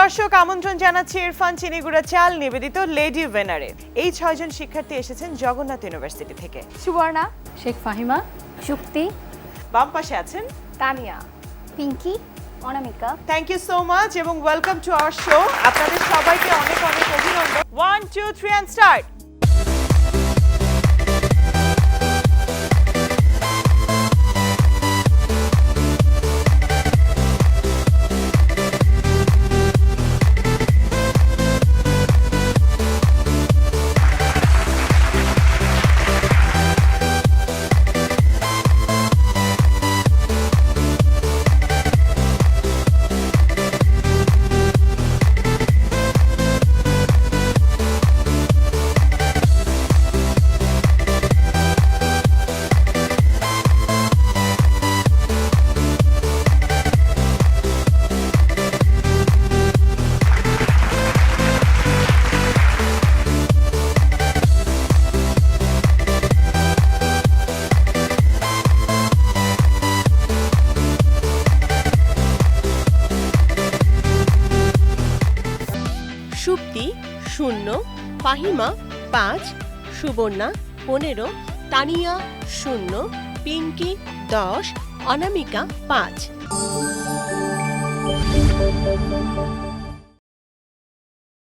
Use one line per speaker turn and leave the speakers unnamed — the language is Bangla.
দর্শক আমন্ত্রণ জানাচ্ছি ইরফান চিনিগুড়া চাল নিবেদিত লেডি উইনারে। এই 6 জন শিক্ষার্থী এসেছেন জগন্নাথ ইউনিভার্সিটি থেকে।
সুবর্ণা, শেখ ফাহিমা, শুক্তি,
বাম পাশে আছেন
Tania, Pinky, Anamika.
Thank you so much এবং ওয়েলকাম টু আওয়ার শো। আপনাদের সবাইকে অনেক অনেক অভিনন্দন। 1 2 3 এন্ড স্টার্ট।
শুক্তি 0, ফাহিমা 5, সুবর্ণা 15, তানিয়া 0, পিঙ্কি 10, অনামিকা 5।